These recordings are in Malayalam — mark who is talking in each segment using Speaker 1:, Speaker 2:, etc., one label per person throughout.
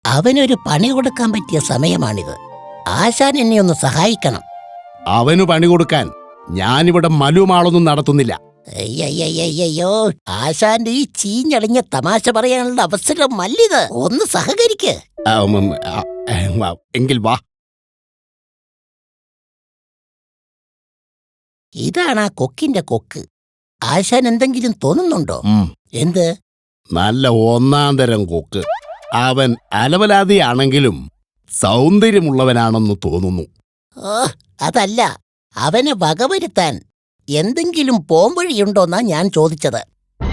Speaker 1: അവനൊരു പണി കൊടുക്കാൻ പറ്റിയ സമയമാണിത്. ആശാൻ എന്നെ ഒന്ന് സഹായിക്കണം.
Speaker 2: അവനു പണി കൊടുക്കാൻ ഞാനിവിടെ മലുമാളൊന്നും നടത്തുന്നില്ല.
Speaker 1: അയ്യോ, ആശാന്റെ ഈ ചീഞ്ഞളിഞ്ഞ തമാശ പറയാനുള്ള അവസരം മല്ലിത്. ഒന്ന് സഹകരിക്ക്.
Speaker 2: എങ്കിൽ വാ.
Speaker 1: ഇതാണ് ആ കൊക്കിന്റെ കൊക്ക്. ആശാൻ എന്തെങ്കിലും തോന്നുന്നുണ്ടോ? എന്ത്?
Speaker 2: നല്ല ഒന്നാം തരം കൊക്ക്. അവൻ അലവലാതിയാണെങ്കിലും സൗന്ദര്യമുള്ളവനാണെന്ന് തോന്നുന്നു.
Speaker 1: അതല്ല, അവനെ വകവരുത്താൻ എന്തെങ്കിലും പോംവഴിയുണ്ടോന്നാ ഞാൻ ചോദിച്ചത്.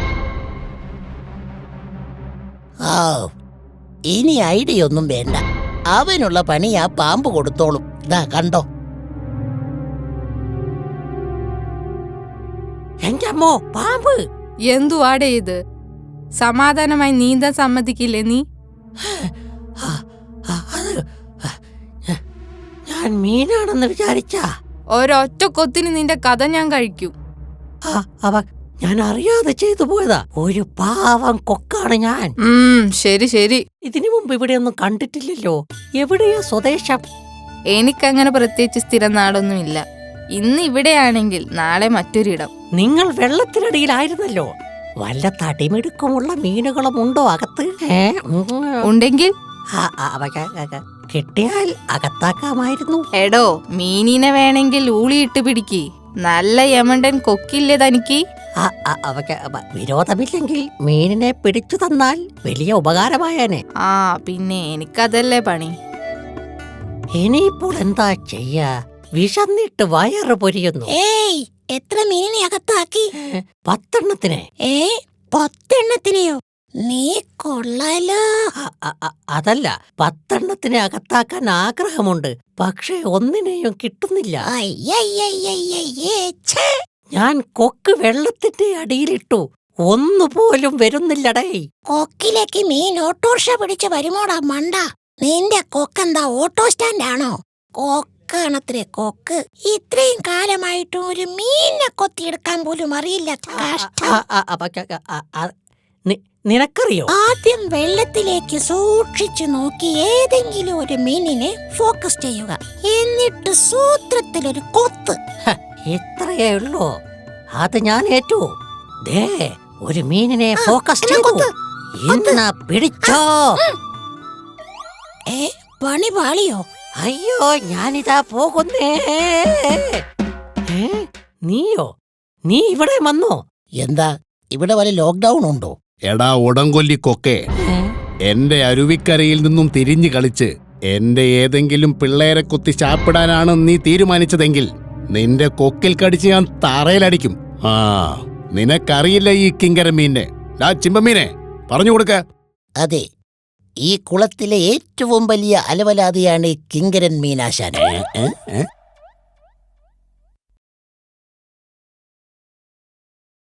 Speaker 1: ഇനി ഐഡിയ ഒന്നും വേണ്ട. അവനുള്ള പണി ആ പാമ്പ് കൊടുത്തോളും. ഇതാ കണ്ടോ.
Speaker 3: എന്റെ അമ്മോ, പാമ്പ്!
Speaker 4: എന്തുവാടേ ഇത്? സമാധാനമായി നീന്താൻ സമ്മതിക്കില്ലേ നീ?
Speaker 3: ഞാൻ മീനാണെന്ന് വിചാരിച്ച
Speaker 4: ഒരൊറ്റ കൊത്തിന് നിന്റെ കഥ ഞാൻ കഴിക്കും.
Speaker 3: ഞാൻ അറിയാതെ ചെയ്തു പോയതാ. ഒരു പാവം കൊക്കാണ് ഞാൻ.
Speaker 4: ശരി ശരി.
Speaker 3: ഇതിനു മുമ്പ് ഇവിടെയൊന്നും കണ്ടിട്ടില്ലല്ലോ. എവിടെയാ സ്വദേശം?
Speaker 4: എനിക്കങ്ങനെ പ്രത്യേകിച്ച് സ്ഥിരം നാടൊന്നുമില്ല. ഇന്ന് ഇവിടെയാണെങ്കിൽ നാളെ മറ്റൊരിടം.
Speaker 3: നിങ്ങൾ വെള്ളത്തിനടിയിലായിരുന്നല്ലോ. വല്ല തടിമിടുക്കമുള്ള മീനുകളും ഉണ്ടോ അകത്ത്?
Speaker 4: ഉണ്ടെങ്കിൽ
Speaker 3: കിട്ടിയാൽ അകത്താക്കാമായിരുന്നു.
Speaker 4: എടോ, മീനിനെ വേണമെങ്കിൽ ഊളിയിട്ട് പിടിക്ക്. നല്ല യമണ്ടൻ കൊക്കില്ലേ തനിക്ക്?
Speaker 3: വിരോധമില്ലെങ്കിൽ മീനിനെ പിടിച്ചു തന്നാൽ വലിയ ഉപകാരമായേനെ.
Speaker 4: പിന്നെ എനിക്കതല്ലേ പണി.
Speaker 3: ഇനിയിപ്പോൾ എന്താ ചെയ്യാ? വിശന്നിട്ട് വയറ് പൊരിയുന്നു.
Speaker 1: എത്ര മീനിനെ അകത്താക്കി?
Speaker 3: 10 എണ്ണത്തിനെ.
Speaker 1: 10 എണ്ണത്തിനെയോ? നീ കൊള്ളാലോ.
Speaker 3: അതല്ല, 10 എണ്ണത്തിനെ അകത്താക്കാൻ ആഗ്രഹമുണ്ട്. പക്ഷേ ഒന്നിനെയും കിട്ടുന്നില്ല. ഞാൻ കൊക്ക് വെള്ളത്തിന്റെ അടിയിലിട്ടു. ഒന്നുപോലും വരുന്നില്ലടേ.
Speaker 1: കൊക്കിലേക്ക് മീൻ ഓട്ടോറിക്ഷ പിടിച്ച് വരുമോടാ മണ്ട. നിന്റെ കൊക്കെന്താ ഓട്ടോ സ്റ്റാൻഡാണോ? കൊക്കാണത്രേ കൊക്ക്. ഇത്രയും കാലമായിട്ടും ഒരു മീനിനെ കൊത്തിയെടുക്കാൻ പോലും അറിയില്ല.
Speaker 3: നിനക്കറിയോ?
Speaker 1: ആദ്യം വെള്ളത്തിലേക്ക് സൂക്ഷിച്ചു നോക്കി ഏതെങ്കിലും ഒരു മീനിനെ ഫോക്കസ് ചെയ്യുക. എന്നിട്ട് സൂത്രത്തിലൊരു കൊത്ത്.
Speaker 3: ഇത്രയേ ഉള്ളൂ. അത് ഞാൻ ഏറ്റു. ദേ, ഒരു മീനിനെ ഫോക്കസ് ചെയ്തു. ഇന്ന് പിടിച്ചോ.
Speaker 1: പണി പാളിയോ?
Speaker 3: അയ്യോ, ഞാനിതാ പോകുന്നേ. നീയോ? നീ ഇവിടെ വന്നോ?
Speaker 1: എന്താ ഇവിടെ വല്ല ലോക്ക്ഡൌൺ ഉണ്ടോ?
Speaker 2: എടാ ഉടങ്കൊല്ലിക്കൊക്കെ, എന്റെ അരുവിക്കരയിൽ നിന്നും തിരിഞ്ഞു കളിച്ച് എന്റെ ഏതെങ്കിലും പിള്ളേരെ കുത്തി ചാപ്പിടാനാണ് നീ തീരുമാനിച്ചതെങ്കിൽ നിന്റെ കൊക്കിൽ കടിച്ച് ഞാൻ തറയിലടിക്കും. നിനക്കറിയില്ല ഈ കിങ്കര മീനെ. ചിമ്പമീനെ പറഞ്ഞു കൊടുക്ക.
Speaker 1: അതെ, ഈ കുളത്തിലെ ഏറ്റവും വലിയ അലവലാതിയാണ് കിങ്കരൻ മീനാശാൻ.